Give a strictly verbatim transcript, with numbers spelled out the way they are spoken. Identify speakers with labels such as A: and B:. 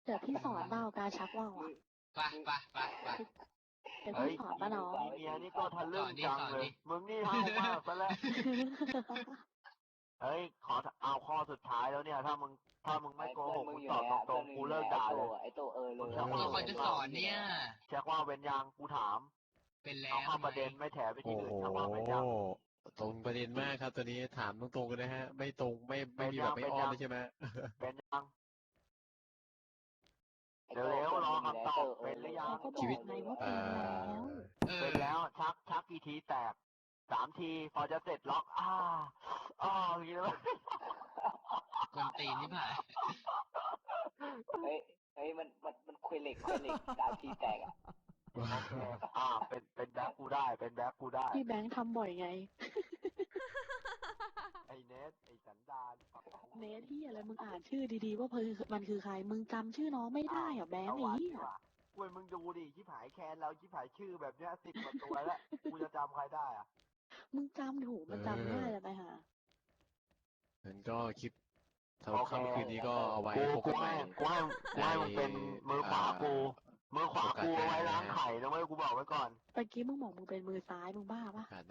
A: ดี๋ยวพี่สอนเบ้าการชักว่าวอ่ะ
B: ไปไปไปไป
A: เดี๋ยว
C: เฮ้ย
A: พี่สอนป้าน้อง
C: มีเมียนี่ก็ทะลึ่ง
B: สอนดิ
C: จัง
B: สอน
C: เล
B: ดิ
C: ย มึงนี่ห้าวมากซะแล้ว เฮ้ย ขอเอาข้อสุดท้ายแล้วเนี่ย ถ้ามึง ถ้ามึงไม่โกหก มึงตอบตรงๆ กูเลิกด่าเลย
D: ไอโตเออเลย
B: ตัวคอยจะสอนเนี่ย
C: เช็คว่าเว้นยังกูถาม
B: เป็นแล้
C: เอา
B: ว
C: เข้าประเด็นไม่แถไป
E: โอ้
C: ที่อื่น
E: โห
C: เช็คว่าเว้นยัง
E: ตรงประเด็นมากครับตัวนี้ถามตรงๆกันนะฮะ ไม่ตรงไม่ไม่มี
C: เป็นยั
E: แบบ
C: ง
E: ไม่
C: เป็น
E: อ้อม
C: ยัง
E: เลยใช่ไหม
C: เป็นยัง เร็วๆรอคำตอบเป็นหรือยัง
A: เขาก็บอกไงว่าเป็นแล้ว
B: เออ
C: เป็นแล้วชักชักกี่ทีแตกสามทีพอจะเสร็จล็อกอ่าอ่าอย่างนี้เลย
B: คนตีนที่ผ่าน
D: เฮ้ยเฮ้ยมันมันมันคุยเหล็กคุยเหล็กสามทีแตกอ่ะ
C: โอเคอ่าเป็นเป็นแบ็คกูได้เป็นแบ็คกูได้
A: พี่แบงค์ทำบ่อยไง
C: ไอ้เนสไอ้สันดานปากของ
A: เนทที่อะไรมึงอ่านชื่อดีๆว่าเพิ่มันคือใคร มึงจำชื่อน้องไม่ได้เหรอแบงค์
C: เอา
A: นี้
C: วะดีกว่าเว้ยมึงดูดิชิบหายแคนเราชิบหายชื่อแบบเนี้ยสิบกว่าตัวแล้วกูจะจำใครได้อะ
A: มึงจำถูกมันจำง่ายจะไปหา
E: งั้นก็คลิปสำหรับค่ำคืนนี้ก็เอาไว้
C: กู
E: พบ
C: กู
E: กันใหม่
C: ให้กูให้กูให้มึงเป็นมือขวากู มือขวากูเอาไว้ล้างไข่นะเว้ยกูบอกไว้ก่อน
A: เมื่อกี้มึงบอกมึงเป็นมือซ้ายมึงบ้าปะ
E: โอกาส